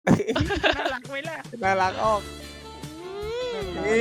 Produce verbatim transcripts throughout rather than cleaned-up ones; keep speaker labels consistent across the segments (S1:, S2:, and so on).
S1: น่ารักไหมล่ะ
S2: น่ารักออกนี่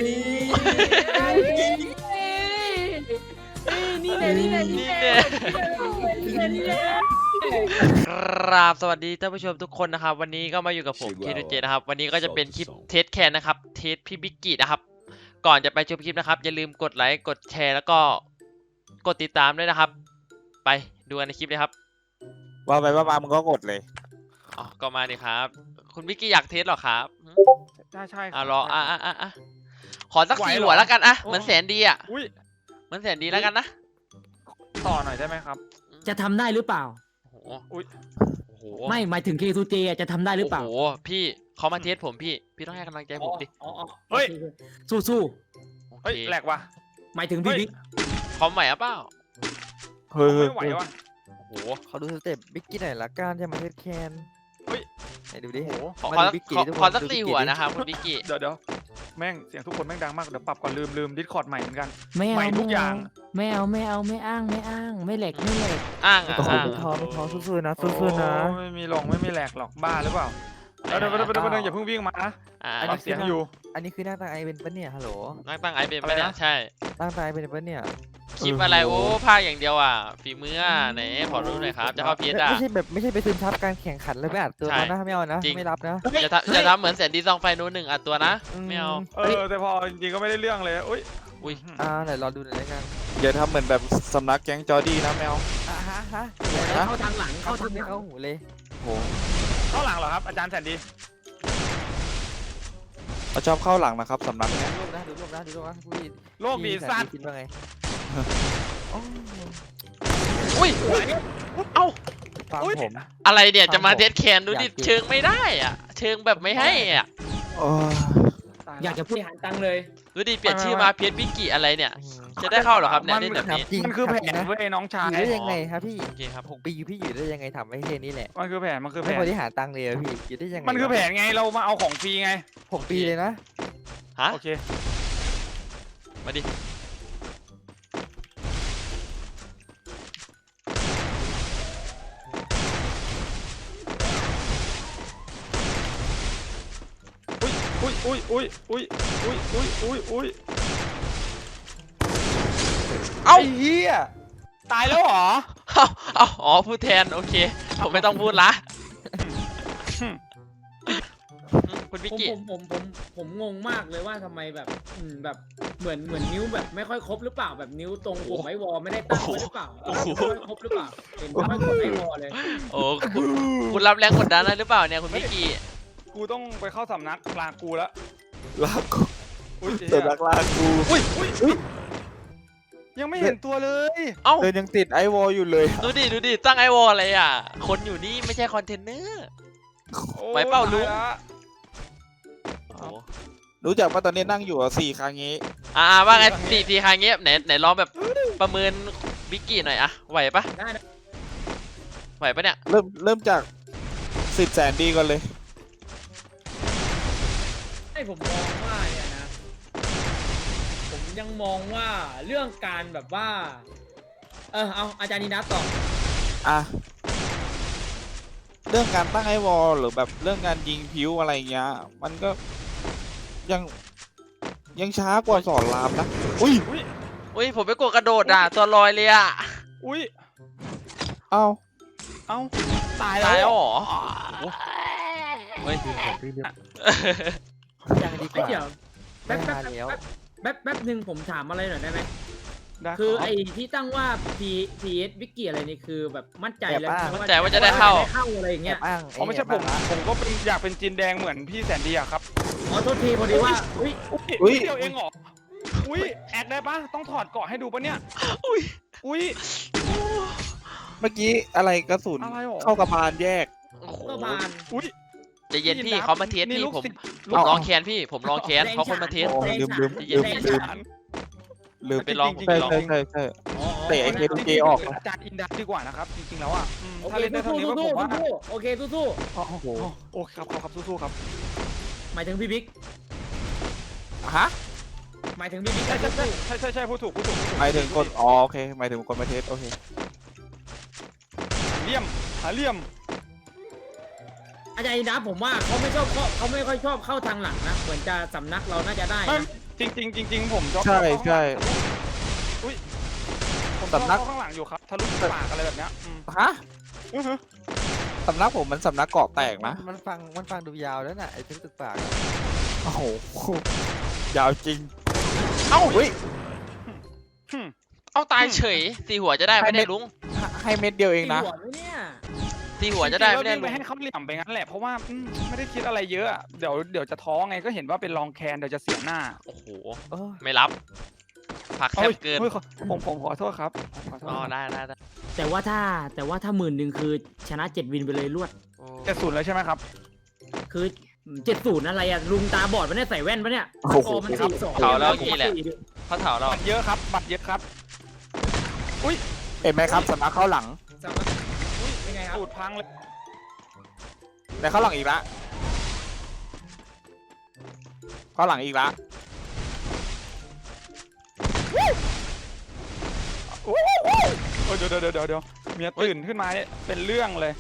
S3: นี่แหละนี่แหละนี่แหละนี่แหละนี่แหละ
S4: ครับสวัสดีท่านผู้ชมทุกคนนะครับวันนี้ก็มาอยู่กับผมเคทูเจนะครับวันนี้ก็จะเป็นคลิปเทสแคนนะครับเทสพี่บิ๊กกี้นะครับก่อนจะไปชมคลิปนะครับอย่าลืมกดไลค์กดแชร์แล้วก็กดติดตามด้วยนะครับ ไปดูกันในคลิปเลยครับ
S2: ว่าไปว่ามามึงก็กดเลย
S4: อ๋อก็มาดิครับคุณบิ๊กกี้อยากเทสหรอครับ
S1: ใช่ใช่
S4: อ่ะรออ่ะอ่ะอ่ะอ่ะขอสักสี่หัวแล้วกันอ่ะเหมือนแสนดีอ่ะ
S1: อุ้ย
S4: เหมือนแสนดีแล้วกันนะ
S1: ต่อหน่อยได้ไหมครับ
S3: จะทำได้หรือเปล่า
S4: โอ้โห
S1: อุ้ย
S4: โอ้โห
S3: ไม่หมายถึง เค ทู เจ จะทำได้หรือเปล่า
S4: โอ้โหพี่เขามาเทสผมพี่พี่ต้องให้กำลังใจผมดิ
S3: อ๋ออ๋อ
S1: เฮ้ย
S3: สู้สู้
S4: โอ
S1: เฮ้ย
S4: เค
S1: แหลกว่ะ
S3: หมายถึงพี่บิ๊ก
S4: พร้อมใหม่อ่ะเปล่า
S2: เฮ้ย
S1: ไม่ไหวว่ะ
S4: โอ้โห
S5: ขอดูสเต็ปบิ๊กกี้หน่อยละกันจะมาเทสแคน
S1: เฮ้ย
S5: ไหนดูดิ
S1: โอ้โห
S4: ขอ
S5: มา
S4: ขอ
S5: ดู
S4: สัก
S5: บิ๊กกี้
S4: ขอ
S5: ทุกคน
S4: ขอสัก
S5: ดูบิ๊
S4: สี่
S5: กกี้
S4: หัว
S5: ดิ
S4: นะครับคุณบิ๊กกี้
S1: เดี๋ยวเดี๋ยวแม่งเสียงทุกคนแม่งดังมากเดี๋ยวปรับก่อนลืมลืมดิสคอร์ดใหม่เหมือนกัน
S3: ไม่เอา
S1: ใหม่ทุกอย่าง
S3: ไม่เอาไม่เอาไม่อ้างไม่อ้างไม่เหล็กไม่เหล็ก
S4: อ้างอ่ะ
S5: โอ้โห
S4: อ้าง
S5: ไม่ท้อไม่ท้อสู้ๆนะ
S1: โอ้
S5: สู้ๆนะ
S1: ไม่มีหลงไม่มีแหลกหรอกบ้าหรือเปล่าเดี๋ยวเดี๋ยวเดี๋ยวเดี๋ยวเดี๋ยวอย่าเพิ่งวิ่งมานะ
S4: อ่า
S1: ปรับเสียงอยู่
S5: อันนี้คือหน้าตาไอเป็นปะเนี่ยฮัลโหล
S4: นั่งตั้งไอเป็น
S1: อะไร
S4: ปะเนี่ย
S1: นะ
S4: ใช่
S5: หน้าตาไอเป็นปะเนี่ย
S4: คลิปอะไรโอ้ภาคอย่างเดียวอ่ะฝีมืออ่ะไหนขอรู้หน่อยครับจะเข้าพีเอสอ่ะ
S5: ไม่ใช่แบบไม่ใช่ไปซึมซับการแข่งขันแล้วไปอัดตัว
S4: ใช่
S5: เขานะไม่เอานะ
S4: จริง
S5: ไม่รับนะ
S4: อย่าทำอย่าทำเหมือนแสนดีซองไฟนู้นหนึ่งอัดตัวนะไม่เอา
S1: เออแต่พอจริงๆก็ไม่ได้เรื่องเลยอุ้ย
S4: อุ้ย
S5: อ่าไหนรอดูหน่อยแล้วกัน
S2: อย่าทำเหมือนแบบสำนักแก๊งจอร์ดี้นะแมว
S5: อ่ะฮะฮะ
S3: เข้าทางหลัง
S5: เข้า
S3: เข้า
S5: ทา
S3: ทาง งห
S5: ไม่
S3: ลัง
S5: เข้าหูเลย
S2: โห
S1: เข้าหลังเหรอครับอาจารย์แสนดี
S2: เขาชอบเข้าหลังนะครับสำนักเนี้ย
S5: ดูรูปนะดูรูปนะดูรูปนะพี่
S1: โลกดีสัตว์
S5: คิดว่าไง
S4: อุ้ยเอ้า
S5: ฟังผม
S4: อะไรเนี่ยจะมา
S5: ฟังผม
S4: เทสแคนดูดิ
S5: อยากกิน
S4: เชิงไม่ได้อ่ะเชิงแบบไม่ให้อ่ะ
S2: โอ้ย
S3: อยากจะพูดหันตังเลย
S4: ดูดิเปลี่ยนชื่อมาเพียสบิ๊กกี้อะไรเนี่ยจะได้เข้าเหรอครับเนี่ยเล่นแบบนี้
S5: จริง
S1: มันคือแผน
S5: นะ
S1: เว้ยน้องชา
S5: อย ยู่ได้ยังไงครับพี่
S4: โอเคครับ
S5: หกปีอยู่พี่อยู่ได้ยังไงทำให้แค่นี้แหละ
S1: มันคือแผนมันคือแผ
S5: ไม่
S1: น
S5: บริหารตังค์เลยอะพี่อยู่ได้ยังไง
S1: มันคือแผนไงเรามาเอาของฟรีไง
S5: หกปีเลยนะ
S4: ฮะ
S1: โอเค
S4: มาดิ
S1: อุ้ยอุ้ยอุ้ยอุ้ยอุ้ยอุ้ยอุ้ยอุ้ย
S4: เอ้า
S1: ไอ้เหี้ยตายแล้วเหรอ
S4: เอ้าเอ้าอ๋อพูดแทนโอเคผมไม่ต้องพูดละคุณบิ๊ก
S3: ผม
S4: กี้
S3: ผมผมผมผมงงมากเลยว่าทำไมแบบอืมแบบเหมือนเหมือนนิ้วแบบไม่ค่อยครบหรือเปล่าแบบนิ้วตรงปุ่มไอวอลไม่ได้ตั้งไว้หรือเปล่าไม่ค่อยครบหรือเปล่าเห็นไม่ค่อยกดไอวอลเลย
S4: โอ้คุณคุณรับแรงกดดันอะไรหรือเปล่าเนี่ยคุณบิ๊กกี้
S1: กูต้องไปเข้าสำนักลากูแล้ว
S2: ลากู
S1: อุ้ย
S2: สำนักลากู
S1: อุ้ยอุ้ยอุ้ยยังไม่เห็นตัวเลย
S4: เอ้า
S2: เดินยังติดไอวอลอยู่เลย
S4: ดูดิดูดิตั้งไอวอลอะไรอ่ะคนอยู่นี่ไม่ใช่คอนเทนเนอร์
S1: โอ้
S4: ไหวเปล่าลุง
S1: ตยละ
S4: โอ้โห
S2: รู้จักว่าตอนนี้นั่งอยู่อ่ะสี่ครั้งงี้
S4: อ่าว่าไงสี่ทีครั้งเงี้ยไหนไหนลองแบบประเมินบิ๊กกี้หน่อยอะไหวปะ
S3: ได้นะ
S4: ไหวปะเนี่ย
S2: เริ่มเริ่มจากสิบแสนดีก่อนเลย
S3: ให้ผมมองว่าเนี่ยนะ ผมยังมองว่าเรื่องการแบบว่า เออเอาอาจารย์นินัทต่อ
S2: อ่ะเรื่องการตั้งไอวอลหรือแบบเรื่องการยิงพิ้วอะไรเงี้ยมันก็ยังยังช้ากว่าสอนรามนะอุ้ย
S1: อุ้ย
S4: อุ้ยผมไปกดกระโดดอ่ะตัวลอยเลยอ่ะ
S1: อุ้ย
S2: เอ้า
S1: เอ้าตาย
S4: ตาย
S1: แล้
S4: แล้ว
S1: ว
S4: เหรอเฮ้ย
S5: ยังดีก
S3: ไอ้
S5: ว่า
S3: เดี๋ยว
S5: ไม่
S3: แป๊บแป๊บ
S5: มาแล้ว
S3: แป๊บแป๊บหนึ่งผมถามอะไรหน่อยได้ไหม
S1: ได้
S3: คือ
S1: รับ
S3: ไอ้ที่ตั้งว่า P พี เอส วิกกี้อะไรนี่คือแบบมั่นใจแล้ว
S4: มั่นใจว่าจะได้เข้า
S3: เข้าอะไรอย่าง
S5: แอ
S3: เงี้ย
S5: บอ้าง
S1: อ๋อไม่ใช่ผมผมก็เป็นอยากเป็นจีนแดงเหมือนพี่แสนดีอะครับ
S3: อ๋อโทษทีพอดีว่าอุ้ย
S1: อุ้ยเดียวเองเหรออุ้ยแอดได้ปะต้องถอดเกาะให้ดูปะเนี่ย
S4: อุ้ย
S1: อุ้ย
S2: เมื่อกี้อะไรกระสุน
S1: อะไรหรอ
S2: เข้ากระบาลแยก
S4: โอ้โห
S3: ก็บาน
S1: อุ้ย
S4: ใจเย็นพี่
S1: นี่นะ
S4: เขามาเทส
S1: นี่
S4: พี่
S1: ลูก
S4: ผม
S1: ศิษย์
S4: ผมลองแคนพี่ผมลองแคนเขาคนมาเทส
S2: โอ้ลืมลืม
S4: เย็น
S2: ลืม
S4: ๆ
S2: ลืมลืม
S4: ไปลอง
S1: จริ
S2: ใช่
S1: ๆ
S2: ใช่ใช่ใช่
S3: อ๋อ
S2: เตะไอ้เคทูเจออก
S1: อาจารย์อินดัสดีกว่านะครับจริงๆแล้วอ่ะอืม
S3: โอ
S1: ถ้า
S3: เค
S1: เล่นได้เท่า
S3: สู้
S1: นี้
S3: สู้
S1: ก็
S3: สู้
S1: ผมว่า
S3: สู้โอเคสู้สู้
S1: โอ้โหโอ้ครับครับครับสู้ๆครับ
S3: หมายถึงพี่บิ๊ก
S2: ฮะ
S3: หมายถึงพี่บิ๊ก
S1: ใช่
S3: ก็
S1: ใช่
S3: สู้
S1: ใช่ใช่ใช่พูดถูกพูดถูกพูดถูก
S2: หมายถึงคนอ๋อโอเคหมายถึงคนมาเทสโอเค
S1: เหลี่ยมหาเหลี่ยม
S3: ไออาจารย์นะผมว่าเขาไม่ชอบเขาเขาไม่ค่อยชอบเข้าทางหลังนะเหมือนจะสำนักเราน่าจะได้
S1: ไม่
S3: นะ
S1: จริงจริงจริงจริงผมชอบ
S2: ใช่
S1: เข้า
S2: ใช่
S1: ผมชอบ
S2: สำนัก
S1: เข้าข้างหลังอยู่ครับทะลุปากอะไรแบบเนี้ยอืม
S2: ฮะ
S1: อื้อหือ
S2: สำนักผมมันสำนักเกาะแตกนะ
S5: มันฟังมันฟังดูยาวแล้วน่ะไอ้ทึกตึกปากอะ
S2: โอ้โหยาวจริง
S4: เอ้า
S2: เฮ้ย
S1: หึ่ม
S4: เอาตายเฉยตีหัวจะได้ไหมเนี่ยลุง
S2: ให้เม็ดเดียวเองนะ
S3: ตีหัวไหมเนี่ย
S4: ตีหัวจะได้ไหม
S1: จริ
S4: เนี่
S1: ง
S4: ย
S1: ๆแล้ววิ่งไป
S4: ลุง
S1: ให้เขาเหลี่ยมไปงั้นแหละเพราะว่าอืมไม่ได้คิดอะไรเยอะอะเดี๋ยวเดี๋ยวจะท้อไงก็เห็นว่าเป็นรองแคนเดี๋ยวจะเสียหน้า
S4: โอ้โห
S5: เออ
S4: ไม่รับผักแค
S1: เอ้
S4: บ
S1: ย
S4: เกิน
S1: เฮ้ยขอผมผมขอโทษครับขอโทษ
S4: อ๋อได้ได้ได้
S3: แต่ว่าถ้าแต่ว่าถ้าหมื่นหนึ่งคือชนะเจ็ดวินไปเลยรวด
S4: โอ้
S1: เจ็ดศูนย์เลยใช่ไหมครับ
S3: คือเจ็ดศูนย์อะไรอะลุงตาบอดปะเนี่ยใส่แว่นปะเนี่ย
S2: โอ้โห
S3: สกอร์มันสี่สอง
S4: เผาแล้วกี่แหละเขาเถาเรา
S1: บัตรเยอะครับบัตรเยอะครับ
S2: เห็นไหมครับสำนักเข้าหลัง
S3: สามารถอุ้ยเป็นไงครับ
S1: สูตรพังเลย
S2: ในเข้าหลังอีกละเข้าหลังอีกละ
S1: โอ้ยเดี๋ยวเดี๋ยวเดี๋ยวเดี๋ยวเมียตื่นขึ้นมาเนี่ยเป็นเรื่องเลย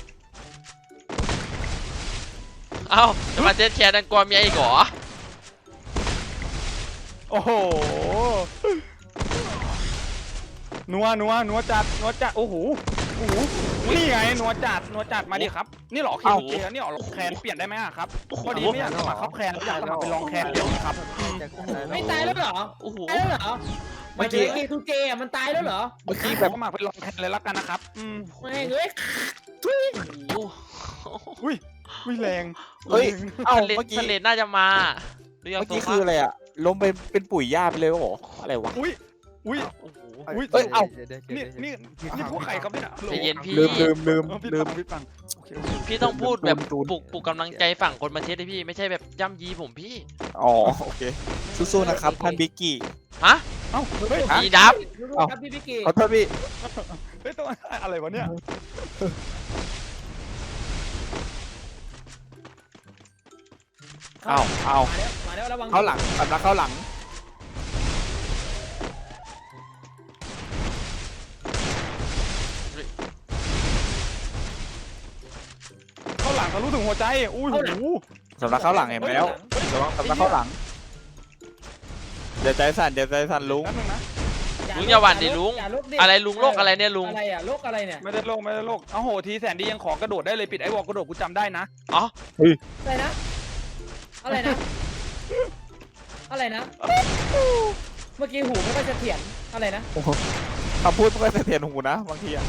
S4: เอ้าจะมาเทสแคร์ดังกลัวเมียอีกเหรอ
S1: โอ้โหนัวนัวนัวจัดนัวจัดโอ้โหโอ้โหนี่ไงนัวจัดนัวจัดมาดิครับ นี่เหรอคิวเนี่เหรอแคนเปลี่ยนได้ไหมอะครับพอดีไม่อยากสมัครเข้าแคนอยากสมัครเป็นรองแคนเดียวครับอืม
S5: จะกู้
S3: ไม่ตายแล้วเหรอ
S4: โอ้โห
S3: ตายแล้วเหรอไม่ใช่เกทูเกอะมันตายแล้วเหรอ
S2: เมื่อกี้
S1: แบ
S2: แบบ บ
S1: สมัครเป็นรองแคนเลยละกันนะครับอืม
S3: ไม่เอ้ย
S1: อุ้ยอุ้ยแรง
S2: เฮ้ย เอ้า
S4: สเลด
S2: เมื่อกี้
S4: สเลดน่าจะมาดูยัง
S2: เมื่อ
S4: ตัว
S2: กี้คืออะไรอะล้มเป็นเป็นปุ๋ยหญ้าไปเลยเหรออะไรวะ
S1: อุ้ยอุ้ย
S4: โอ้โห
S1: อุ๊ย
S2: เอ้ยเอ้า
S1: นี่นี่นี่พวกไข่ครับเนี่ย
S4: ใจเย็นพี่
S2: ลืมลืมลืม
S1: เออพี่
S2: ลื
S1: ปั
S2: ม
S1: งพี่ปังโอเคโอเค
S4: พี่ต้องพูดแบบ
S2: ตูน
S4: ปลุกปลุกกำลังใจฝั่งคนมาเทสเลยพี่ไม่ใช่แบบย่ำยีผมพี่
S2: อ๋อโอเคสู้ๆนะครับท่านบิกกี้
S4: ฮะ
S1: เอ้าเฮ้ย
S2: ฮะ
S4: มีดับ
S3: รู้ๆครับพี่พิกกี้
S2: ขอโทษพี่
S1: เฮ้ยตัวอะไรวะเนี่ย
S2: เอ้าเอ้า
S3: มาแล้วมาแล้วระวัง
S2: เข้าหลังสำนักเข้าหลัง
S1: เข้าหลังทะลุถึงหัวใจอุ้ยหู
S2: สำนักเข้าหลังเห็นแล้วระวังสำนักเข้าหลังเดี๋ยวใจสั่นเดี๋ยวใจสั่นลุง
S1: นั่นนึงนะ
S4: ลุงอย่าหวั่นดิลุง
S3: อย่าลุกดิ
S4: อะไรลุงโรคอะไรเนี่ยลุง
S3: อะไรอะโรคอะไรเนี่ย
S1: ไม่ได้โลกไม่ได้โลกเอ้าโหทีแสนดียังขอกระโดดได้เลยปิดไอ้วอลกระโดดกูจำได้นะ
S4: อ๋อ
S3: อะไรนะ อะไรนะ อะไรนะ เมื่อกี้หูไม่ค่อยจะเถียนอะไรนะ
S2: คำพูดมันก็เสถียรหูนะบางทีอะ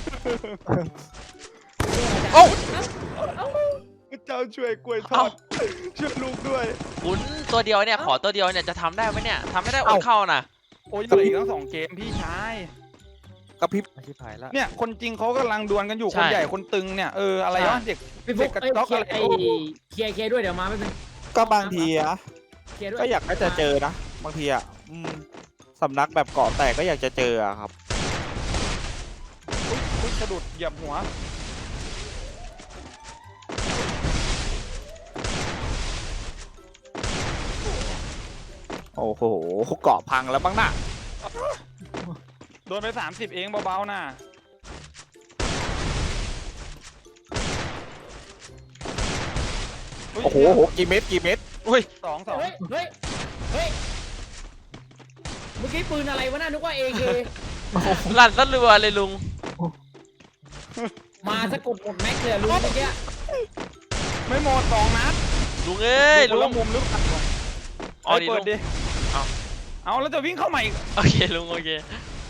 S4: โอ้
S3: เอ้า
S1: เจ้าช่วยกล้วยทอดช่วยลูกด้วย
S4: คุณตัวเดียวเนี่ยขอตัวเดียวเนี่ยจะทำได้ไหมเนี่ยทำไม่ได้อดเข้านะ
S1: โอ้ยเหลืออีกทั้งสองเกมพี่ชาย
S2: กระพริบ
S5: อาชีพหายละ
S1: เนี่ยคนจริงเขากำลังดวลกันอยู่คนใหญ่คนตึงเนี่ยเอออะไรวะเด็ก
S3: พี่
S1: เด็
S3: ฟุ
S1: ก
S3: ก
S1: กระ
S3: เอ้ย
S1: จอก
S3: เคลี
S1: อะ
S3: ย
S1: ไร
S3: ร์ไอ้เคลียร์เคลียร์ด้วยเดี๋ยวมาไม่เป็น
S2: ก็บางทีอะ
S3: เคลียร์ด้วย
S2: ก็อยากก็จะเจอนะบางทีอะอืมสำนักแบบเกาะแตกก็อยากจะเจออะครับ
S1: อุ๊ยอุ๊ยสะดุดเหยียบหัว
S2: โอ้โหเกาะพังแล้วบ้างน่ะ
S1: โดนไปสามสิบเองเบาๆน่ะ
S2: โอ้โหโหกี่เม็ดกี่เม็ด
S4: อุ้ย
S1: สองสอง
S3: เฮ้ยเฮ้ยเฮ้ยเมื่อกี้ปืนอะไรวะน่านึกว่าเอเค
S4: ลั่นสะรัวเลยลุง
S3: มาสะกดหมดแม็กเลยอะลุงเมื่อกี้
S1: ไม่หมดสองนัด
S4: ลุงเอ้ย
S1: ดู
S4: ลุ
S1: คนละ
S4: ง
S1: มุมหรือเปล่า
S4: อ๋อ
S1: ไป
S4: ดิ
S1: เปิ
S4: ลุ
S1: ด
S4: ง
S1: ดิ
S4: เอา
S1: เอาแล้วจะวิ่งเข้ามาอีก
S4: โอเคลุงโอเค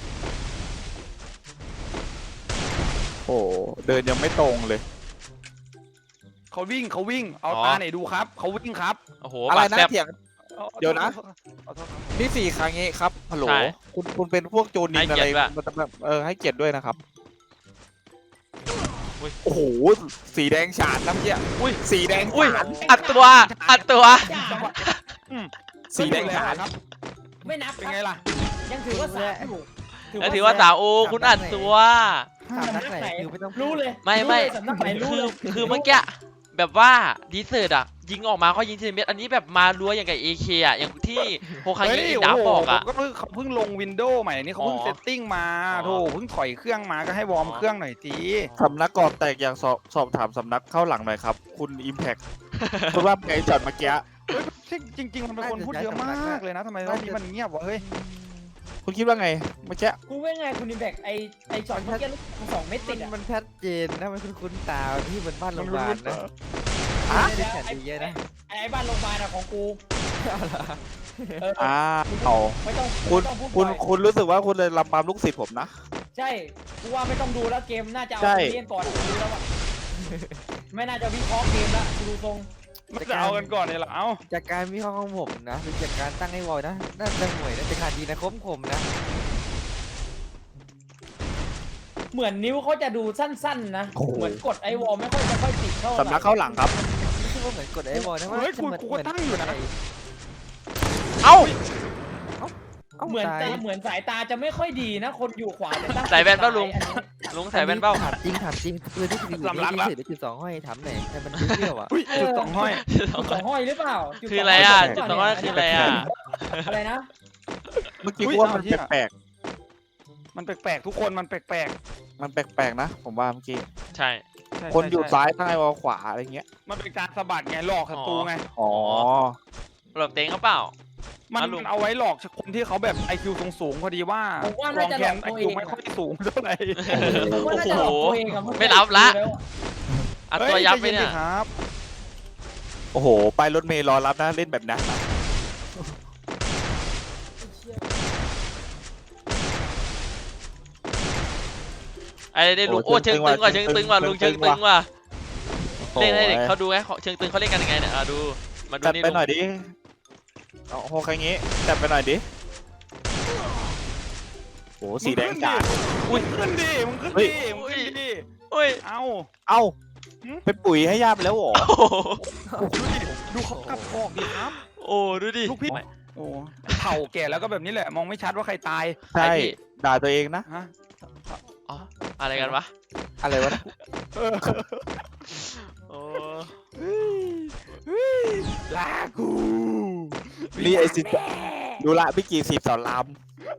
S2: โอ้โหเดินยังไม่ตรงเลย
S1: เขาวิ่งเขาวิ่งเอาตาไหนดูครับเขาวิ่งครับ
S4: โอ้โห
S2: อะไร
S4: บาด
S2: นะ
S4: แซบ
S2: เถียง
S1: อาอา
S2: เดี๋ยวนะ
S1: ขอโทษครับ
S2: นี่สี่ครั้งนี้ครับฮัลโหล
S4: ใช่
S2: คุณคุณเป็นพวกโจนิน
S4: ให้
S2: อะ
S4: เกี
S2: ไร
S4: ยรติด้วย
S2: มันจะแบบเออให้เกียรติด้วยนะครับ
S4: อุ๊ย
S2: โอ้โหสีแดงฉานน้ำเยี่ย
S4: อุ้ย
S2: สีแดง
S4: อุ้ย
S2: ฉาน
S4: อัดตัวอัดตัว
S1: จังหวะอืม
S2: สีแดงฉาน
S1: ครับ
S3: ไม่นับ
S1: เป็น
S3: ค
S1: ไง
S3: รับ
S1: ล่ะ
S3: ยังถือว่าสามอยู่
S4: แล้วถือว่าสาวโอคุณอัดตัว
S5: สามนัดไหนคือไม่ต้องพูด
S3: รู้เลย
S4: ไม่ไม่
S3: รู้เลยสำนักไหนรู้เลย
S4: คือเมื่อกี้แบบว่าดีเซอร์ตอะยิงออกมาก็ยิงทีละเม็ดอันนี้แบบมารัวอย่างกับเอเคอ่ะอย่างที่โฮคา
S1: เฮ้
S4: งิ
S1: ย
S4: ดับ
S1: โอ้โห
S4: บอกอ่ะ
S1: ผมก็เพิ่งเขาเพิ่งลงวินโดว์ใหม่นี่เขาเพิ่ง
S4: อ๋อ
S1: เซตติ้งมา
S4: อ๋อ
S1: โธ่เพิ่งถอยเครื่องมาก็ให้วอร์ม
S4: อ๋อ
S1: เครื่องหน่อยที
S2: สำนักก่อนแตกอย่างสอบสอบถามสำนักเข้าหลังหน่อยครับ คุณอิมแพค คุณว่าไงจอดเมื่อกี้
S1: เฮ้ยจริงจริง ๆ มันเป็นคนพูดเยอะมากเลยนะทำไมรอบนี้มันเงียบวะเฮ้ย
S2: คุณคิดว่าไงเมื่อกี้
S3: กูว่าไงคุณนิมแบกไอไอช็อตเมื่อกี้ลูกสองเม็ด
S5: มั
S3: ติ
S5: น
S3: ดอ่ะ
S5: มันชัดเจนนะมันคุ้นๆตาที่เหมือนบ้านโรงพยาบาลนะ
S3: อ่ะ
S5: ไม่ได้แข่งดีเยอะนะ
S3: ไอไอบ้านโรงพยาบาลอะของกูเออ
S2: อ่าเอา
S3: ไม่ต้อง
S2: คุณ
S3: ไม่ต้องพูด
S2: คุณ
S3: บ่อย
S2: คุณรู้สึกว่าคุณเลยลำปามลูกศิษย์ผมนะ
S3: ใช่กูว่าไม่ต้องดูแล้วเกมน่าจะเอา
S2: ใช่
S3: เล่นก่อนดูแล้วอะไม่น่าจะวิเคราะห์เกมละดูทรง
S1: มันจะเอากันก่อนเนี่ยเหรอเอ้า
S5: จากการวิเคราะห์ของผมนะเป็นจากการตั้งให้วอลนะน่าจะห่วยนะจะขาดดีนะคมคมนะ
S3: เหมือนนิ้วเขาจะดูสั้นๆนะ
S2: โอ้โห
S3: เหมือนกดไอวอลไม่ค่อยจะค่อยติดเข้า
S2: สำนักเข้าหลังครับ
S5: ไม่ใช่ว่าเหมือนกดไอ้วอลนะว่า
S1: เฮ้ยกู
S5: จะ
S1: กูก็ตั้งอยู่นะ
S4: เอ้า
S3: เหมือน
S5: ตา
S3: ตาย เหมือนสายตาจะไม่ค่อยดีนะ คนอยู่ขวาแต่ตั้ง
S4: ใส่แว่นป่ะลุง
S3: อันนี้
S4: ลุงใส่แว่นเป้า
S5: ถามจริงถามจริงปืนที่ถืออยู่นี่ถือได้จุดสองห้อยถามหน่อยแต่มันเที่ยวอ่ะ
S1: อุ้ยจุดสองห้อย
S3: จุดสองห้อยหรือเปล่าจุด
S4: คือ
S3: สง
S4: อะไรอ่ะ
S3: ห
S4: จุด
S3: รื
S4: สอง
S3: เป
S4: ห้อย
S3: ล่า
S4: คืออะไรอ่ะ
S3: อะไรนะ
S2: เมื่อกี้
S1: อุ๊ย
S2: กูว่ามัน
S1: เอาเหี้ย
S2: แปลก
S1: มันแปลกๆทุกคนมันแปลก
S2: ๆมันแปลกๆนะ ผมว่าเมื่อกี้
S4: ใช่
S1: ๆใช่
S2: คนอยู่
S1: ใช่
S2: ซ้ายตั้งไอ้วอลขวาอะไรเงี้ย
S1: มันเป็นการสะบัดไงหลอกศัตรูไง
S2: อ๋อ
S4: หลบเต็งเขาเปล่า
S1: มัน
S4: อ่ะลุง
S1: เอาไว้หลอกคนที่เขาแบบ ไอ คิว สูงๆพอดีว่า
S3: ผมว่า
S1: ล
S3: น่า
S1: อง
S3: จะ
S1: แค
S3: หลอน ก
S1: ไอ
S3: ตัวเอ
S1: คิว
S3: ง
S1: ไม่
S3: อะ
S1: ค่อยสูงเท่าไหร่
S3: ผมว่าน่าจะหลอกตัวเองอะน
S4: ไม่รับละ
S3: แล้ว
S4: อัดตัวยับไป
S1: ฮ้
S4: เนี่ย
S1: ใจๆครับ
S2: โอ้โห ไปรถเมล์รอรับนะเล่นแบบนั้นนะ
S4: ไอ้เด็ลุงโอ้เชิงตึงว่ะเชิงตึงว่ะลุงเชิงตึงว่ะ
S2: โอ้
S4: เล่นให้เด็ก
S2: ย
S4: เขาดูไงเชิงตึงเขาเล่นกันยังไงเนี่ยอ่ะดูมาดู
S2: จัด
S4: นี่
S2: ไป
S4: ลุง
S2: หน่อยดิเอาโหใครงี้จัดไปหน่อยดิโอ้สีแดงจ๋า
S1: มึงขึ้นดิมึงขึ้น
S2: เฮ้ย
S1: ดิมึงขึ้นดิ
S4: โอ้ย
S1: เอ้า
S2: เอ้า
S1: หืม
S2: เป็นปุ๋ยให้ย่าไปแล้วเหรอ
S4: โอ้โห
S1: ดูดิดูเขากลับกอกดิครับ
S4: โอ้ดูดิ
S1: ลูกพี่โอ้เถ่าแก่แล้วก็แบบนี้แหละ มองไม่ชัดว่าใครตาย
S2: ใช่
S4: ไอ้พี่
S2: ด่าตัวเองนะ
S1: ฮะ
S4: อ๋ออะไรกันวะ
S2: อะไรวะนะ
S1: เออ
S4: โอ้
S1: ลากู
S2: นี่ไอซิดูละพี่กีสีบสอนราม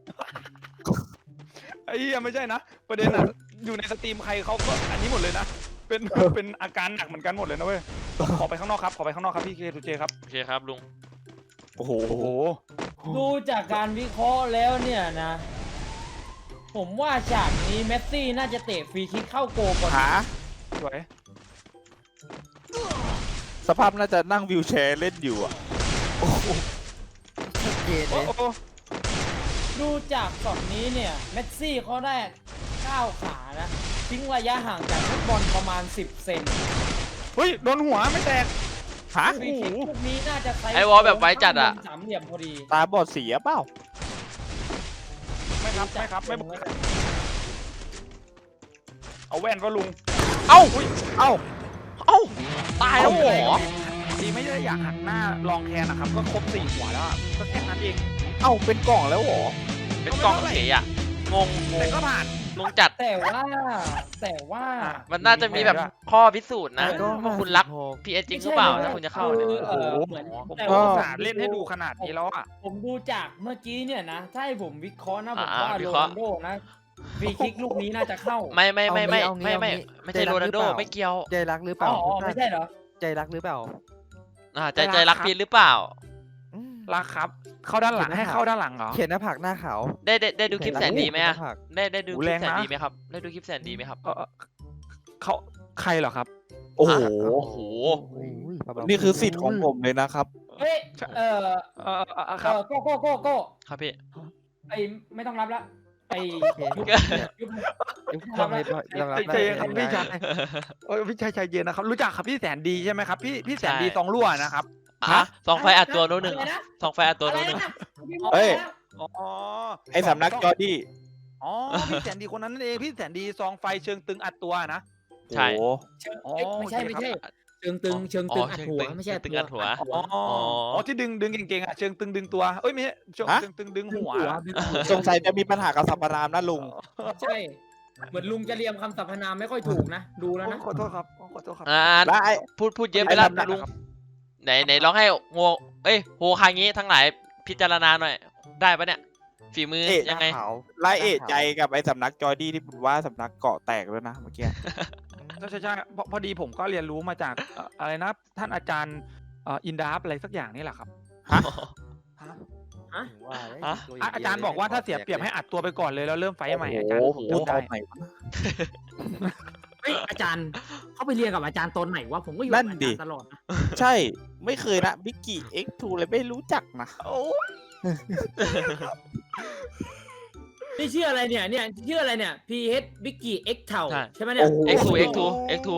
S1: ไอ้เหี้ยไม่ใช่นะ ประเด็นอ่ะ อยู่ในสตรีมใครเขาก็อันนี้หมดเลยนะ เป็นเป็นอาการหนักเหมือนกันหมดเลยนะเว้ย ขอไปข้างนอกครับ ขอไปข้างนอกครับพี่เคทูเจครับ
S4: โอเคครับลุง
S2: โอ้โห
S1: โอ้โห
S3: ดูจากการวิเคราะห์แล้วเนี่ยนะ ผมว่าฉากนี้เมสซี่น่าจะเตะฟรีคิกเข้าโกลก่อน
S2: หา
S1: สวย
S2: สภาพน่าจะนั่งวิวแชร์เล่นอยู่อ่ะ
S5: ชัดเจนเล
S1: โอ้
S5: ย
S1: โห
S3: ดูจากช็อตนี้เนี่ยเมสซี่เขาได้ก้าวขานะทิ้งระยะห่างจากฟุตบอลประมาณ สิบ เซน
S1: เฮ้ย โดนหัวไม่แตก
S2: ฮะ
S3: ฟรีคิกลูกนี้น่าจะใช้
S4: ไอ้วอลแบบไว้จัดอะ
S3: สามเหลี่ยมพอดี
S2: ตาบอดเสียเปล่า
S1: ไม่ครับ ไม่ครับ ไม่บอกเอาแว่นก็ลุง
S4: เอ้า
S2: เอ้า
S4: เอ้าตายแล้วเหรอ
S1: ดีไม่ได้อยากหักหน้าลองแคนนะครับ ก็ครบสี่หัวแล้วอะก็แค่นั้นเอง
S2: เอ้าเป็นกล่องแล้วเหรอ
S4: เป็นกล่องเฉยอ่ะงงง
S1: แต่
S4: ง
S1: ก็ผ่าน
S4: งงจัด
S3: แต่ว่าแต่ว่า
S4: มันน่าจะมีแบบข้อพิสูจน์นะ
S5: ก็
S4: ว่าคุณรักพีเอจริงหรือเปล่าถ้าคุณจะเข้าเนี่ย
S3: คือเออเหมือน
S1: ผม
S3: แต่
S1: ก็
S3: ว่า
S1: อุตส่าห์เล่นให้ดูขนาดนี้แล้วอ่ะ
S3: ผมดูจากเมื่อกี้เนี่ยนะถ้าให้ผมวิเคราะห์นะผม
S4: อ่า
S3: ว่า
S4: วิ
S3: โร
S4: เคราะ
S3: นั
S4: ห์
S3: ลโดนะฟรีคิกลูกนี้น่าจะเข้า
S4: ไม่ไม่ไม่ไม่
S5: เอางี้
S4: ไม่ไม่
S5: เอางี้
S4: ไม่ใช่โรนัลโด
S5: ใจรักหรือเปล่า
S4: ไม่เกี่ยว
S5: ใจรักหรือเป
S3: อ๋
S5: ล่า
S3: ออ๋อไม่ใช่เหรอ
S5: ใจรักหรือเปล่า
S4: อ่าใจใจรักพีทหรือเปล่า
S5: อืม
S1: รักครับ เข้าด้านหลังให้เข้าด้านหลังเหรอ
S5: เขียนหน้าผากหน้าขาว
S4: ได้ได้ได้ดูคลิปแสนดีไหมอะ
S5: เขียนน้าผาก
S4: ได้ได้ดู
S1: โอ้
S4: คลิ
S1: แร
S4: ป
S1: ง
S4: แสน
S1: นะ
S4: ดีไหมครับได้ดูคลิปแสนดีไหมครับ
S1: เออเขาใครเหรอครับ
S2: โอ้โห
S4: โอ้โห
S5: โอ้ยเบาๆ
S2: นี่คือสิทธิ์ของผมเลยนะครับ
S3: เฮ้ยเออ
S1: เออเออเออ
S3: เอ
S1: ครับ
S3: อโก้โก้โก้โก้
S4: ครับพี่
S3: ไอไม่ต้องรับละไอ
S5: โอเค
S3: ยุบ
S5: เนี่ย
S3: ยุบ
S5: ยุบทำให้เรารับ
S1: ใจเย็นครับพี่ชายเออพี่ชายใจเย็นนะครับ รู้จักครับพี่แสนดีใช่ไหมครับ พี่พี่แสนดี
S4: ใช่
S1: ซองรั่วนะครับ
S4: อ่ะสองไฟอัดตัวโน้นหนึ่ง
S3: อะไรนะ
S4: สองไฟอัดตัว
S3: อะไร
S4: โน้นหนึ่ง
S3: นะ
S2: เฮ้ย
S1: อ๋อ
S2: ไอ้สำนักจอร์ดี้
S1: อ๋อพี่แสนดีคนนั้นนั่นเองพี่แสนดีซองไฟเชิงตึงอัดตัวนะ
S4: ใช่
S2: โอ้โห
S3: เชิง
S1: อ๋อ
S3: เอ้ยไม่ใช่ไม่ใช่ เชิงตึงเชิง
S4: อ๋
S3: ตึ
S4: อง
S3: อัด
S4: เชิง
S3: หัว
S4: ตึง
S3: ไม่ใช่
S4: ตึงอัดหัว
S1: อ๋ออ๋อที่ดึงดึงเก่งๆอ่ะเชิงตึงดึงตัวเอ้ยไม่ใช่เชิงเชิงตึงดึงหัว
S2: สงสัยจะมีปัญหากับสัมปรามนะลุง
S3: ใช่ เหมือนลุงจะเรียมคำสรรพนามไม่ค่อยถูกนะ ดูแล้วนะ
S1: ขอโทษครับขอโทษครับ
S4: อ่า
S2: แล้วไอ้
S4: พูดพูดเยอะไปแล้ว
S2: ไอ้ทำหนัก
S4: ลุง
S2: นะครับ
S4: ในไหนไหนลองให้โงเอ้ยโฮคางี้ทั้งหลายพิจารณาหน่อยได้ปะเนี่ยฝีมือ
S2: เอ๊ะ
S4: ยังไง
S5: ขาว
S2: ไล่เอะใจกับไอ้สำนักจอร์ดี้ที่คุณว่าสำนักเกาะแตกแล้วนะเมื่อกี้
S1: ใช่ใช่ใช่พอพอดีผมก็เรียนรู้มาจากเอ่ออะไรนะท่านอาจารย์เอ่ออินดาฟอะไรสักอย่างนี่แหละครับฮะ
S5: ถึงว่าเลย
S4: ฮะ
S5: ตัว
S1: อ่ะ
S5: ง
S1: อาจารย์บอกว่าถ้าเสียเปรียบให้อัดตัวไปก่อนเลยแล้วเริ่มไฟท์ใหม่อาจารย์
S2: โอ้โห
S1: พูด
S2: ต
S1: ได้
S2: อนไหนวะ
S3: เฮ้ยอาจารย์เขาไปเรียนกับอาจารย์ตอนไหนวะผมก็อยู่
S2: นั่
S3: กับ
S2: น
S3: อา
S2: ดิ
S3: จารย์ตลอดนะ
S2: ใช่ไม่เคยนะบิกกี้ เอ็กซ์ ทู เลยไม่รู้จักนะ
S1: โอ้ย
S3: นี่ชื่ออะไรเนี่ยเนี่ยชื่ออะไรเนี่ย พี เอช Biggie X เท่า
S4: ใช่
S3: ใช่ไหมเนี่ย
S4: เอ็กซ์ทูเอ็กซ์ทูเอ็กซ์ทู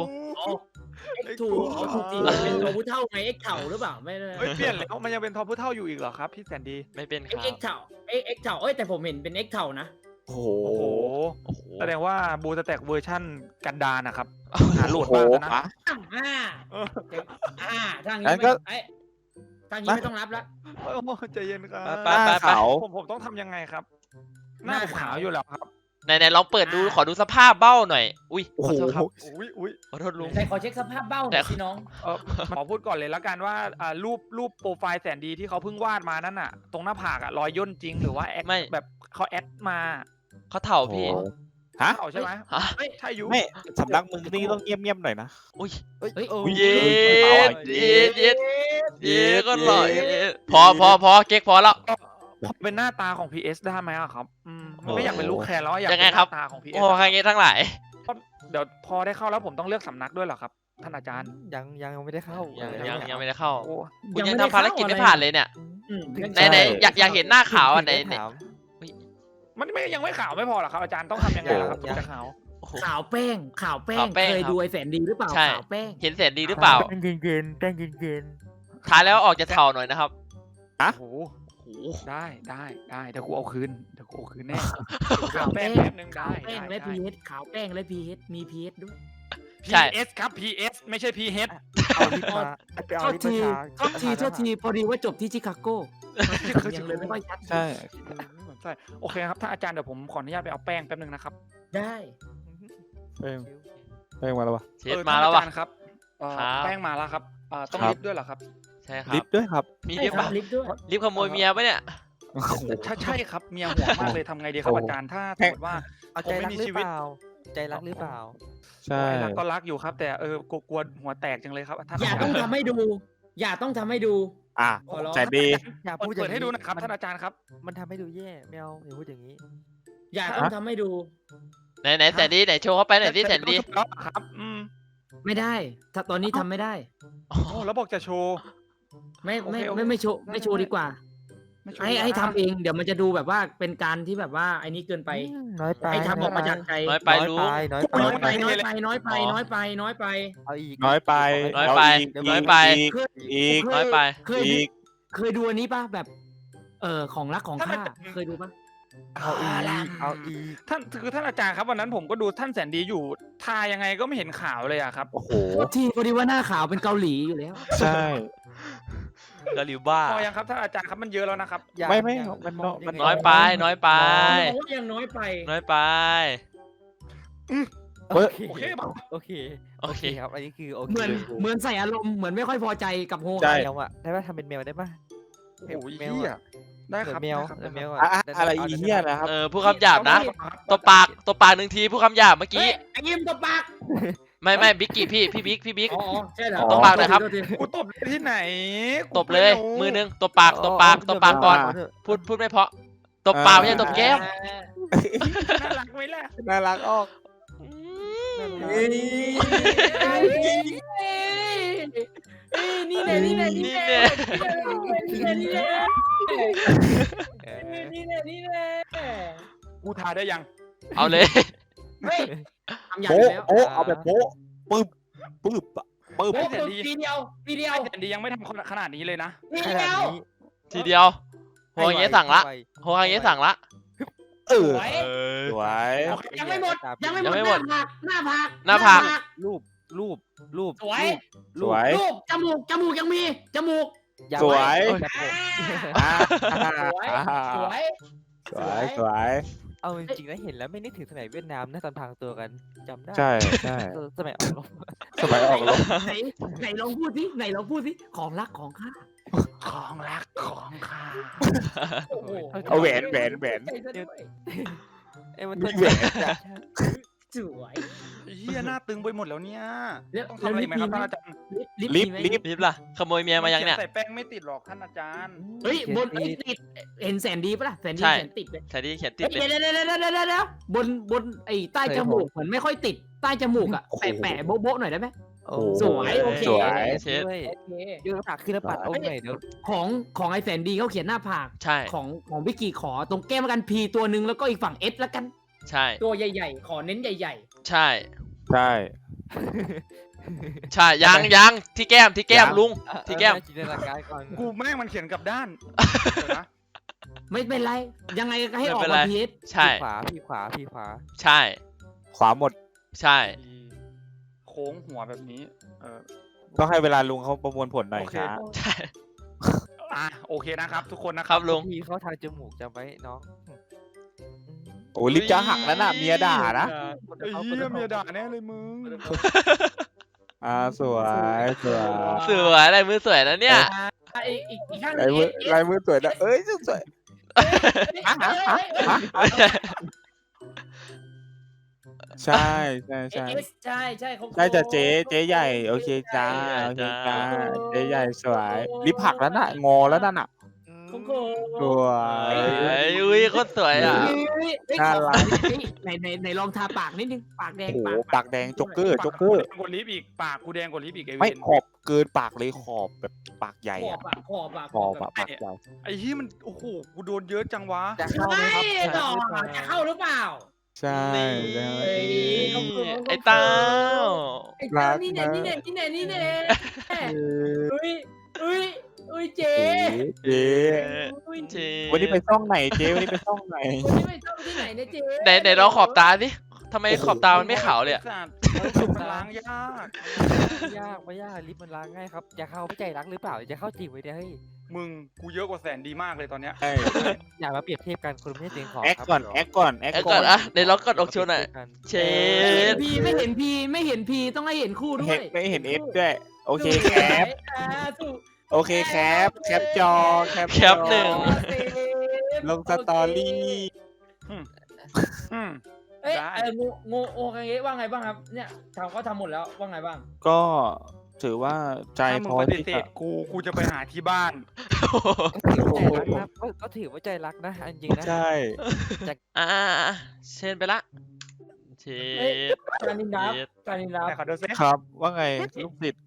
S3: X ทูเอาถูกจริงเป็นตัวผู้เท่าไง X เท่าหรือเปล่าไม่ได้
S1: เฮ้ยเปลี่ยนแล้วมันยังเป็นทอมผู้เท่าอยู่อีกเหรอครับพี่แสนดี
S4: ไม่เป็นค
S3: X
S4: รับ
S3: X เท่า X X เท่าเอ้ยแต่ผมเห็นเป็น X เท่านะ
S2: โอ้โห
S1: โอ้โห
S4: โอ้โห
S1: แสดงว่าบูสแต็กเวอร์ชั่นกันดารนะครับหาโหลดมากแล้วนะ
S2: ฮะ
S3: อ่า
S1: เออ
S3: อ่าทางนี้
S2: งั้น
S3: ไม่
S2: ก็
S3: เอ้ยทางนี้ไม่ต้องรับละ
S1: โอ้โหใจเย็นครับ
S4: ไป
S2: หน้า
S4: ไปไป
S2: ขาว
S1: ผมผมต้องทำยังไงครับ หน้าผมขาวอยู่แล้วครับ
S4: ไหนไหนลองเปิดดูขอดูสภาพเบ้าหน่อย อุ้ย
S2: โอ้
S4: ข
S2: โห
S4: อโทษครับ
S1: อุ้ยอุ้ย
S4: ขอโทษลุง
S3: แต่ขอเช็คสภาพเบ้าหน่อยสิน้อง
S1: เออขอพูดก่อนเลยแล้วกันว่าอ่ารูปรูปโปรไฟล์แสนดีที่เขาเพิ่งวาดมานั่นน่ะ ตรงหน้าผากอะรอยย่นจริงหรือว่าแอค
S4: ไม่
S1: แบบเขาแอดมา
S4: เขาเถ่าพี่
S2: โอ้โหฮะ
S1: เอาใช่ไหม
S4: ฮะ
S1: เฮ้ยใช่อยู
S2: ไม่สำนักมึงนี่ต้องเงียบๆหน่อยนะ
S4: อุ้ย
S5: เอ้ย
S3: เฮ้ย
S5: เออ
S4: เย็
S2: เอา
S4: ด
S2: อ่ะ
S4: เย็ดเย็ดเย็ดก็หล่อเย็ดพอพอพอเก๊กพอแล้ว
S1: เป็นหน้าตาของ พี เอส ได้ไหมอะครับอืม
S2: โอ้
S1: ไม่อยากเป็นลูกแคร์แล้วอยาก
S4: ยั
S1: เป็น
S4: งไง
S1: ห
S4: ครับ
S1: น้าตาของ พี เอ
S4: โอ้
S1: ส
S4: ใครเงี้ยทั้งหลาย
S1: เดี๋ยวพอได้เข้าแล้วผมต้องเลือกสำนักด้วยเหรอครับ ท่านอาจารย์
S5: ยังยังไม่ได้เข้า
S4: ยัง
S5: เล
S4: ยัง
S5: เนี่
S4: ยังไม่ได้เข้า
S1: โอ้
S4: คุณยังทำภารกิจไม่ผ่านเลยเนี่ย
S3: อืม
S4: ไหนไหนอยากอยากเห็นหน้าขาวอ่ะไหน
S5: ถึง
S4: ไหน
S5: ด้ถาม
S1: มันไม่ยังไม่ขาวไม่พอเหรอครับอาจารย์ต้องทำยังไงล่ะครับถึงจะขาว
S4: โอ้โห
S3: ขาวแป้งขาวแป้
S4: ขาง วแป้ง
S3: เคย
S4: ครับ
S3: ดูไอ้แสนดีหรือเปล่า
S4: ใช่
S3: ขาวแป้ง
S4: เห็นแสนดีหรือเปล่า
S5: แป้งเย็นๆแป้งเย็น
S4: ทานแล้วออกจะเถ่าหน่อยนะครับ
S1: โอ้โห
S4: โอ้โห
S1: ได้ได้ได้เดี๋ยวกูเอาคืนเดี๋ยวกูเอาคืนแน่
S3: ขาว
S1: แป้
S3: แป้
S1: ง
S3: ง
S1: แป๊บนึงได้
S3: ขาวแป้ง
S1: ได้
S3: และ
S1: ได้
S3: พีเอสขาวแป้งและพีเอสมีพีเอสด้วย
S4: ใช่
S1: พี เอส ครับ พี เอส ไม่ใช่ พี เอช
S5: ๆเอาลิปมาไปเอา
S3: โทษ
S5: ลิป
S3: ที
S5: มา
S3: โทษทีโทษทีพอดีว่าจบที่ชิคาโก้ยังเลยไม่ค่อยชัด
S2: ใช่
S1: ใช่โอเคครับถ้าอาจารย์เดี๋ยวผมขออนุญาตไปเอาแป้งแป๊บนึงนะครับ
S3: ได้
S2: เอ้ยเอ้ยมาแล้ววะ
S4: เชฟมาแล้ววะ
S1: เออท่นอาจารย์ครับเอ่อ
S4: ครับ
S1: แป้งมาแล้วครับเอ่อต้อง
S2: ครับ
S1: ลิฟต์ด้วยเหรอครับ
S4: ใช่ครั
S2: ลิ
S4: บ
S2: ฟต์ด้วยครับ
S4: มี
S3: ใช่
S4: ลิฟต์
S3: ครั
S4: ปะ
S3: บลิฟต์ด้วย
S4: ลิฟต์ขโมยเมียปะเนี่ย
S2: โอ้โห
S1: ถ้าใช่ครับเมียหัวมากเลยทำไงดีครับ
S2: โอ้
S1: อาจารย์ถ้าส
S2: แค่
S1: มมติว่า
S5: เอา
S1: ผม
S5: ใจ
S1: ไม่
S5: รัก
S1: มี
S5: หรือ
S1: ชี
S5: เป
S1: วิต
S5: ล่า ใจรักหรือเปล่า
S2: ใช่
S1: รักก็รักอยู่ครับ แต่เออกลัวกลัวหัวแตกจังเลยครับท่าน
S3: อย่าต้องทำให้ดู อย่าต้องทำให้ดู
S2: อ่ะ
S3: ขอร้อง
S2: แต่ดี
S5: อย่า
S1: เปิ
S5: พู
S1: ด
S5: ดอย่า
S1: เปิด
S5: ง
S1: ให้ดูหนะครับ
S5: มั
S1: ท่านอาจารย์ครับ
S5: มันทำให้ดูแย่ไม่เอาอย่าพูดอย่างนี้
S3: อย่าต้องทำให้ดู
S4: ไหนไหนแสนดีไหนโชว์เข้าไปหน่อยสิแสนดี
S1: แล้วครับอืม
S3: ไม่ได้ ถ้าตอนนี้ทำไม่ได้
S1: โอ้แล้วบอกจะโชว์
S3: ไม่ไม่
S1: โอเคโอเค
S3: ไม่ไม่โชว์ไม่โชว์ดีกว่า
S1: ไม่โชว์
S3: ให้
S1: ดีกว่า
S3: ให้ทำเองเดี๋ยวมันจะดูแบบว่าเป็นการที่แบบว่าไอ้นี้เกินไป
S5: น้อยไป
S3: ให้ทำออกมาจากใจ
S4: น้อยไป
S5: น้อย
S4: รู้
S5: ไปน้อยไป
S3: น้อยไปน้อยไปน้อยไปน้อยไปน้อยไป
S5: เอาอีก
S2: น้อยไป
S4: น้อยไป
S2: เาอีก
S4: น้อยไป
S2: อีก
S3: เคย
S2: อีก
S3: เค
S4: น้อยไป
S3: เคยดู
S2: อีก
S3: เคยดูอันนี้ป่ะแบบ เออของรักของข้าเคยดูป่ะ
S5: เอาอีกเอาอีก
S1: ท่านคือท่านอาจารย์ครับวันนั้นผมก็ดูท่านแสนดีอยู่ทายังไงก็ไม่เห็นขาวเลยอะครับ
S2: โอ้โห
S3: โทษทีพอดีว่าหน้าขาวเป็นเกาหลีอยู่แล้ว
S2: ใช่
S4: กะหลิวบ้า
S1: พอยังครับท่านอาจารย์ครับมันเยอะแล้วนะครับ
S5: อย่า
S2: ไม่ไม่
S5: อย่า
S2: มัน
S5: มอง
S2: มัน
S5: ย่าง
S4: น้อยไป น้อยไป
S3: มองว่ายังน้อยไป
S4: น้อยไป
S5: โอเค
S1: โอเคป่ะ
S5: โอเค
S4: โอเค
S5: ครับ อันนี้คือโอเค
S3: เหมือนเหมือนใส่อารมณ์เหมือนไม่ค่อยพอใจกับโฮ
S2: ใช่
S5: แมวอะได้ป่ะทำเป็นแมวได้ป่ะ
S1: โอ้ย
S5: แมว
S1: เหี้ย
S5: อะ
S1: ได้ครับ
S5: แมว
S1: ได้ครับ
S5: แมว
S2: อะ
S5: อะ
S2: อะอะไรอีเหี้ยนะครับ
S4: เออพูดคำหยาบนะ ตัวปาก ตัวปากหนึ่งทีพูดคำหยาบเมื่อ
S3: เฮ้
S4: กี้
S3: ยไอ้ยิ้มตบปาก
S4: ไม่ไม่บิ๊กกี้พี่ พี่บิ๊ก พี่บิ๊ก
S3: อ๋อใช่เหรอ
S4: ตบปากหน่อยครับ
S3: โทษที
S1: กูตบที่ไหน
S4: ตบเลย มือนึงตัวปาก ตัวปาก ตัวปากก่อน พูด พูดไม่เพราะตบปากไม่ใช่ตบแก้ม
S1: น่ารักไหมล่ะ
S2: น่ารักออก
S3: เอ้ยเอ้ยเอ้ยนี่แน่นี่แน่นี่แน่นี่แน่นี่แน่นี่แน่นี่แน่นี่แน่
S1: กูทาได้ยัง
S4: เอาเลย
S3: เฮ้ยทำอย่าง
S2: โป๊ะ
S3: แล้ว
S2: โป๊ะเอาแบบโป๊ะปึ๊บปึ๊บอะปึ๊บ
S3: โอ้โหทีเดียวทีเดียว
S1: แต่ดียังไม่ทำขนาดนี้เลยนะ
S3: ที
S5: ข
S3: เดี
S5: นาด
S3: ยว
S5: นี้
S4: ทีเดียวโฮอย่างเงี้ยสั่งละ
S5: ให้ไว
S4: โฮอย่างเงี้ยสั่งละ
S2: เออ
S3: สวย
S4: เออ
S2: สวย
S3: ยังไม่หมดยังไม่
S4: ยังไม่
S3: ห
S4: ห
S3: ม
S4: ม
S3: ด
S4: ด
S3: หน้าผากห
S4: หน้าผาก
S5: รูปรูปรูป
S3: สวย
S2: สวย
S3: รูปจมูกจมูกยังมีจมูก
S5: อา
S2: สวย
S5: แบบผม
S2: อ่า
S3: สวย
S2: อ่า
S3: สวย
S2: สวยสวย
S5: เอาจริงๆแล้วเห็นแล้วไม่นึกถึงสมัยเวียดนามนะตอนทางตัวกันจำได้
S2: ใช่ใช่
S5: เออสมัยออกรบ
S2: สมัยออกรบ
S3: ไหนไหนลองพูดสิไหนลองพูดสิของรักของข้า
S1: ของรักของข้า
S3: โอ้โห
S2: เอาแหวนแหวนแหวน
S3: ใจซะด้วย
S5: เอ้ยมัน
S2: มี
S5: เท่
S2: แหวน
S5: จัด
S3: สวย
S1: เฮียหน้าตึงไปหมดแล้วเนี่ย
S3: แล้ว
S1: ต้องทำอะไรอีกไหมครับท่านอาจารย์
S2: ลิฟต์
S3: มีไหม
S2: ลิฟต์
S4: รีบล่ะขโมยเมียมายังเนี่ย
S1: ใส่แป้งไม่ติดหรอกท่านอาจารย์
S3: เฮ้ยบนเอ้ยติดเห็นแสนดีปะล่ะแสนดี
S4: ใช่
S3: แสนติดเลย
S4: ใช่ที่เขียนติด
S3: เฮ้ย
S4: เลย
S3: เดี๋ยวเดี๋ยวเดี๋ยวเดี๋ยวเดี๋ยวเดี๋ยวบนบนไอ้ใต้จมูกเหมือนไม่ค่อยติดใต้จมูกอะแปะแปะโบ๊ะโบ๊ะหน่อยได้ไหม
S5: โอ้
S3: สวยโอเค
S2: สวย
S4: เช็ด
S5: ด้วย
S3: โอเค
S5: เดี๋ยวปากขึ้นแล้วปัดเอาหน่อยเดี๋ยว
S3: ของของไอ้แสนดีเขาเขียนหน้าผาก
S4: ใช่
S3: ของของวิกกี้ขอตรงแก้มแล้วกันพีตัวหนึ่งแล้วก็อีกฝั่งเอสแล้วกัน
S4: ใช่
S3: ตัวใหญ่ๆ ขอเน้นใหญ่
S4: ใช่
S2: ใช่
S4: ใช่ยังยังที่แก้มที่แก้มลุง ที่แก้ม
S5: เออจินตนาการก่อน
S1: กูแม่งมันเขียนกลับด้านเดี๋ยวนะ
S3: ๆ ไม่เป็นไร ยังไงก็ให้ออก
S4: ไม่เป็นไร
S3: มาพีเอส
S4: ใช่
S5: พี่ขวาพี่ขวาพี่ขวา
S4: ใช่
S2: ขวาหมด
S4: ใช่
S1: โค้งหัวแบบนี้เออ
S2: ก็ให้เวลาลุงเขาประมวลผลหน่อย
S1: โอเค
S2: ช้า
S4: ใช่
S1: อ่ะโอเคนะครับ ทุกคนนะ
S4: ค
S1: ค
S4: รั
S1: รั
S4: บบ ลุง
S5: พี่เขาทางจมูกจำไว้น้อง
S2: โอ้ลิฟต์จะหักแล้วน่ะเมียด่านะ
S1: ไอ้เหี้ยเมียด่าแน่เลยมึง
S2: อ่าสวยสวย
S4: สวยอะไรมือสวยนะเนี่ย
S3: อ่ะอีกอีกอีกข้างหนึ
S2: ลาย
S3: ง
S2: มือ
S3: เอส
S2: ลายมือสวยนะเอ้ยสวย ใช่ใช่
S3: เอ
S2: ใช่
S3: สใช่ใช่เขา
S2: ใช่จะเจ๊เจ๊ใหญ่โอเคจ้าโอเคจ้าเจ๊ใหญ่สวยลิฟต์หักแล้วน่ะงอแล้วนั่นน่ะ
S3: โค้งโค
S2: สวย
S4: เอ้ยอุ้ยโคตรสวยอ่ะ
S2: น่ารัก
S3: ไหนไหนไหนลองทาปากนิดนึงปากแดง
S2: โอ้โห
S3: ปาก
S2: ปากแดงจ็อกเกอร์จ็อกเกอร์
S1: กดลิฟต์อีกปากกูแดงกดลิฟต์อีกไอ้เว
S2: ไม่
S1: น
S2: ขอบเกินปากเลยขอบแบบปากใหญ่
S3: ขอ
S2: อะ
S3: บปากขอบปาก
S2: ขอบอะปากใหญ่
S1: ไอ้เหี้ยมันโอ้โหกูโดนเยอะจังวะ
S5: จะเข้าไหม
S3: ใช่
S5: ครับ
S3: ต่อจะเข้าหรือเปล่า
S2: ใช่ใช่
S3: เอ้ยเขาเขิน
S4: ไอ้เต้า
S3: ไอ้เต้านี่แน่นี่แน่นี่แน่นี่แน่
S2: เออ
S3: เอ้ยเอ้ยเอ้ยเจ๊
S2: เจ๊
S3: อุ้ย
S4: เจ๊
S2: วันนี้ไปซ่องไหนเจ๊วันนี้ไปซ่องไหน
S3: วันนี้ไม่ต้องที่ไหนนะเจ๊
S4: ไหนไหนลองขอบตาสิทำไมขอบตามันไม่ขาวเลยอะ
S1: ไอ้สัตว์มันล้างยาก
S5: ไม่ยากไม่ยากลิฟต์มันล้างง่ายครับอย่าเข้าไม่ใจรักหรือเปล่าจะเข้าจริงไว้เนี่ยเฮ้ย
S1: มึงกูเยอะกว่าแสนดีมากเลยตอนเนี้ย
S2: ใช่
S5: อย่ามาเปรียบเทียบกันคนไม่ใช่เสียงของ
S2: แอค
S5: ครับ
S2: ก่อนแอคก่อนแอค
S4: ไอ้
S2: ก่
S4: ก่
S2: อ
S4: อน นอะไหนลองกดอกโชว์หน่อย เช
S3: ไม่เห็
S4: ด
S3: นพีไม่เห็นพีไม่เห็นพีต้องให้เห็นคู่ด้ว
S2: เห็
S3: ย
S2: นไม่เห็นเอฟด้วยโอเคแคป
S3: อ่าสู้
S2: โอเคแคปแคปจอแคป
S4: แคปหนึ่ง
S2: ลงสตอรี่
S1: อืม
S3: เอ้ย
S1: ได้
S3: เอองูงูโอคังเงะว่าไงบ้างครับเนี่ยทำเขาทำหมดแล้วว่าไงบ้าง
S2: ก็ถือว่าใจ
S1: ถ้ามึ
S2: พ
S1: ง
S2: อ
S1: ปฏิ
S2: ที่
S1: เส
S2: จะ
S1: ธกูกูจะไปหาที่บ้าน
S5: ก็ถือว่าใจรักนะก็ก็ถือว่าใจรักนะอันจริงนะ
S2: ใช่
S4: อ่าเชนไปละเช
S3: เอ้ย
S4: ด
S3: การนินดับ
S4: เชด
S3: การนินดับ
S1: ไหนขอดูซิ
S2: ครับว่าไงลูกศิษย์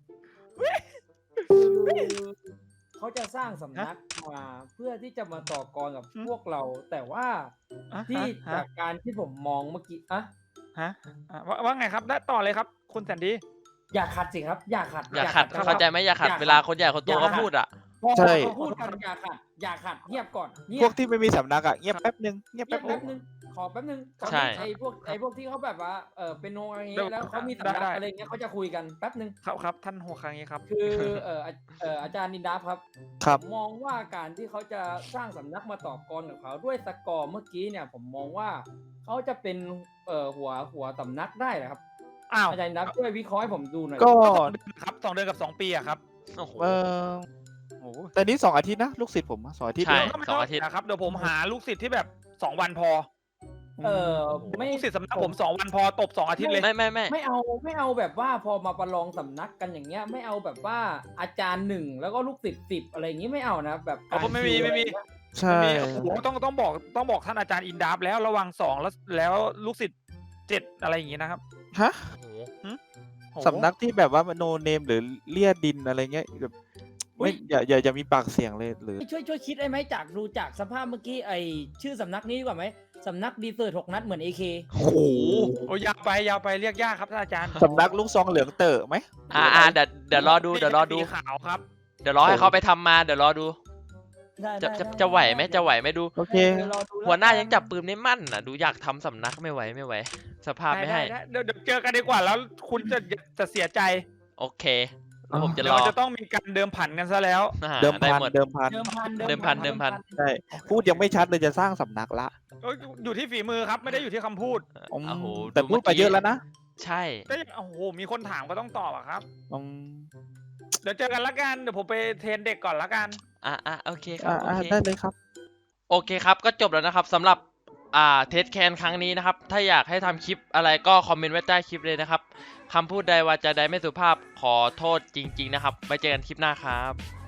S3: เขาจะสร้างสำนักมาเพื่อที่จะมาต่อกรกับพวกเรา แต่ว่า
S1: อ่ะ
S3: ที่
S1: ฮะ
S3: จากการที่ผมมองเมื่อกี้อะ
S1: ฮะอ่ะว่าว่าไงครับได้ต่อเลยครับ คุณแสนดี
S3: อย่าขัดสิครับ อย่าขัด
S4: อย่าขัด
S3: ครับ
S4: เข้าใจไหมอย่าขัด
S3: อย่าขัด
S4: เวลาคนใหญ่คนโต
S3: อย่าขั
S4: เขา
S3: ด
S4: พูดอ่ะ
S3: พอ
S2: ใช่
S3: เขาพูดกันอย่าขัด อย่าขัดเงียบก่อนเงีย
S2: พว
S3: บ
S2: กที่ไม่มีสำนักอะเงียบแป๊บนึงเงียบ
S3: เงีย
S2: แป๊
S3: บบ
S2: นึ
S3: แป๊
S2: ง
S3: บนึงขอแป๊บนึง
S4: ใช่
S3: ไอ้พวกไอ้พวกที่เขาแบบว่าเออเป็นโนอะไรเงี้
S1: เดี๋ย
S3: ยว แล้วเขามีสำนัก
S1: ได้
S3: อะไรเงี้ยเขาจะคุยกันแป๊บนึง
S1: ครับครับท่านหัวครั้งนี้ครับ
S3: คือเอออาเอออาจารย์นินดาครับ
S2: ครับ
S3: ผมมองว่าการที่เขาจะสร้างสำนักมาต่อกรกับเขาด้วยสกอร์เมื่อกี้เนี่ย ผมมองว่าเขาจะเป็นเอ่อหัวหัวสำนักได้เหรอครับ
S1: อ้าว
S3: อาจารย์นินดาช่วยวิเคราะห์ให้ผมดูหน่อย
S2: ก็
S1: ครับสองเดือนกับสองปีอะครับ
S4: โอ้โห
S2: เออ
S1: โอ้โห
S2: แต่นี้สองอาทิตย์นะลูกศิษย์ผมอะสองอาทิตย์
S4: ใช่
S2: เอง
S1: ก็ไม่
S4: สองอาทิตย์
S1: นะครับเดี๋ยวผมหาลูกศิษย์ที่แบบสองวันพอ
S3: เออไม่
S1: ลูกศิษย์สำนักผมสองวันพอตบสองอาทิตย์เลย
S4: ไม่ไม่ไม่
S3: ไม่เอาไม่เอาแบบว่าพอมาประลองสำนักกันอย่างเงี้ย ไม่เอาแบบว่าอาจารย์หนึ่งแล้วก็ลูกศิษย์สิบอะไรอย่างงี้ไม่เอานะแบบ
S1: อ๋อไม่มีไม่มี
S2: ใช่
S1: มีโอ้โหต้องต้องบอกต้องบอกท่านอาจารย์อินดับแล้วระวังสองแล้วแล้วลูกศิษย์เจ็ดอะไรอย่างงี้นะครับ
S2: ฮะ
S4: โอ้โห
S1: โอ้โห
S2: สำนักที่แบบว่าโนเนมหรือเลียดินอะไรเงี้ยแบบไม่อย่าอย่าอย่ามีปากเสียงเลยหรือ
S3: ช่วยช่วยคิดได้ไหมจากดูจากสภาพเมื่อกี้ไอชื่อสำนักนี้ดีกว่าไหมสำนักดีเซอร์หกนัดเหมือนเอเค
S2: โอ้โห
S1: โอ้ยยาวไปยาวไปเรียกยากครับท่านอาจารย์
S2: สำนักลูกซองเหลืองเต๋อไหม
S4: อ่าอ่าเดี๋ยวเดี๋ยวรอดูเดี๋ยวรอดู
S1: สีขาวครับ
S4: เดี๋ยวรอให้เขาไปทำมาเดี๋ยวรอดู
S3: ได้
S4: จะ
S3: ได้
S4: จะ
S3: ได้
S4: จะไหวไหมจะไหวไหมดู
S2: โอเค
S3: ดี๋ยรอดูแล้
S4: หัวหน้ายังจับปืนไม่มั่นอ่ะดูอยากทำสำนักไม่ไหวไม่ไหว สภาพไม่ให้
S1: ด้ด้เดี๋ยวเดี๋ยวเจอกันดีกว่าแล้วคุณจะจะเสียใจ
S4: โอเคแล้วผมจะ
S1: เดี๋ย
S4: ร
S1: ว
S4: อ
S1: มันจะต้องมีการเดิมพันกันซะแล้ว
S4: อ่า
S2: เดิม
S4: ได้
S2: พัน
S4: หมด
S2: เดิมพัน
S3: เดิมพัน
S4: เดิมพันเดิมพัน
S2: ใช่พูดยังไม่ชัดเลยจะสร้างสำนักละ
S1: ก็อยู่ที่ฝีมือครับไม่ได้อยู่ที่คำพูด
S2: อืม
S4: โอ้โห
S2: แต่พูดไปเยอะแล้วนะ
S4: ใช่
S1: ก็ยังโอ้โหมีคนถามก็ต้องตอบอะครับ
S2: อืม
S1: เดี๋ยวเจอกันละกันเดี๋ยวผมไปเทรนเด็กก่อนละกัน
S4: อ่ะอ่ะโอเคครั
S2: อ่า
S4: บโอ
S2: อ่า
S4: เค
S2: ได้เลยครับ
S4: โอเคครับก็จบแล้วนะครับสำหรับอ่าเทสแคนครั้งนี้นะครับถ้าอยากให้ทำคลิปอะไรก็คอมเมนต์ไว้ใต้คลิปเลยนะครับคำพูดใดวาจาใดไม่สุภาพขอโทษจริง ๆนะครับไว้เจอกันคลิปหน้าครับ